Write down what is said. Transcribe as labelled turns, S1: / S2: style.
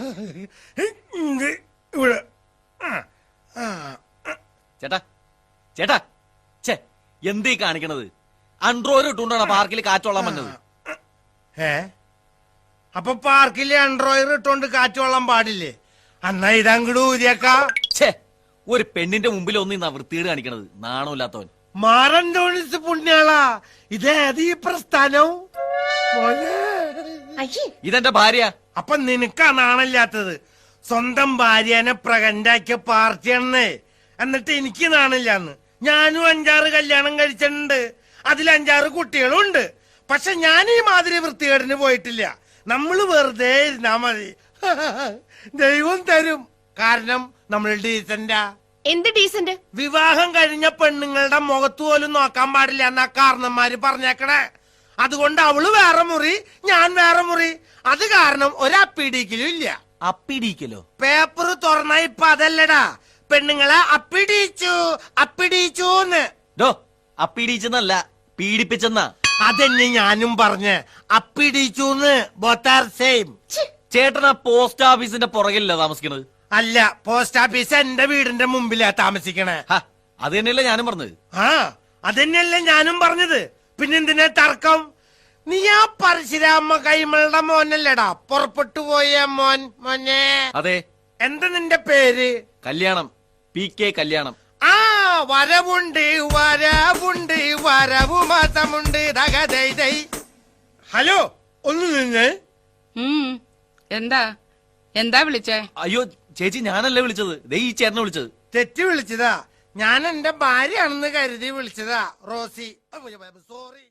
S1: ഇവിടെ
S2: ചേട്ടാ ചേട്ടാ ചേ എന്തീ കാണിക്കണത്? അൺട്രോയിൽ ഇട്ടുകൊണ്ടാണ് പാർക്കിൽ കാറ്റോളാൻ വന്നത്.
S1: അപ്പൊ പാർക്കിലെ അൺട്രോയർ ഇട്ടോണ്ട് കാറ്റ് കൊള്ളാൻ പാടില്ലേ? അന്നാ ഇതങ്ങട് ഊരിയേക്കാ.
S2: ഛേ, ഒരു പെണ്ണിന്റെ മുമ്പിൽ ഒന്നും വൃത്തികേട് കാണിക്കണത്. നാണമില്ലാത്തവൻ.
S1: മാറന്തോണിസ് പുണ്യാളാ, ഇതേത് ഈ പ്രസ്ഥാനം?
S2: ഇതെന്റെ ഭാര്യ.
S1: അപ്പൊ നിനക്കാ നാണില്ലാത്തത്? സ്വന്തം ഭാര്യനെ പ്രകണ്ടാക്കിയ പാർട്ടിയാണെന്നേ. എന്നിട്ട് എനിക്ക് നാണില്ലാന്ന്. ഞാനും 5-6 കല്യാണം കഴിച്ചിട്ടുണ്ട്. അതിൽ 5-6 കുട്ടികളും ഉണ്ട്. പക്ഷെ ഞാൻ ഈ മാതിരി വൃത്തികേടിന് പോയിട്ടില്ല. നമ്മള് വെറുതെ ഇരുന്നാ മതി, ദൈവം തരും. കാരണം നമ്മൾ ഡീസന്റാ.
S3: എന്ത് ഡീസന്റ്?
S1: വിവാഹം കഴിഞ്ഞ പെണ്ണുങ്ങളുടെ മുഖത്ത് പോലും നോക്കാൻ പാടില്ല എന്നാ കാരണന്മാര് പറഞ്ഞേക്കണേ. അതുകൊണ്ട് അവള് വേറെ മുറി, ഞാൻ വേറെ മുറി. അത് കാരണം ഒരപ്പിടിക്കലും ഇല്ല.
S2: അപ്പിടിക്കലോ?
S1: പേപ്പർ തുറന്ന ഇപ്പൊ അതല്ലടാ, പെണ്ണുങ്ങളെ അപ്പിടിച്ചൂന്ന്.
S2: അപ്പിടിച്ചെന്നല്ല, പീഡിപ്പിച്ചെന്നാ.
S1: അതെന്നെ ഞാനും പറഞ്ഞ്, അപ്പിടിച്ചൂന്ന്. Both are same.
S2: ചേട്ടൻ ആ പോസ്റ്റ് ഓഫീസിന്റെ പുറകിലല്ല താമസിക്കണത്?
S1: അല്ല, പോസ്റ്റ് ഓഫീസ് എന്റെ വീടിന്റെ മുമ്പിലാ താമസിക്കണേ.
S2: അത് തന്നെയല്ലേ ഞാനും പറഞ്ഞത്.
S1: അതന്നെയല്ലേ ഞാനും പറഞ്ഞത്. പിന്നെന്തിനാ തർക്കം? നീ ആ പരശുരാമ കൈമളുടെ മോനല്ലേടാ പുറപ്പെട്ടു പോയ മോനെ?
S2: അതെ.
S1: എന്താ നിന്റെ പേര്?
S2: കല്യാണം. PK കല്യാണം.
S1: വരവുണ്ട് വരവുണ്ട് വരവു മാസമുണ്ട്. ഹലോ, ഒന്ന് നിന്ന്.
S4: എന്താ വിളിച്ചേ?
S2: അയ്യോ ചേച്ചി, ഞാനല്ലേ വിളിച്ചത്. ഈ ചേട്ടനെ വിളിച്ചത്.
S1: തെറ്റി വിളിച്ചതാ. ഞാൻ എന്റെ ഭാര്യയാണെന്ന് കരുതി വിളിച്ചതാ. Rosie, sorry.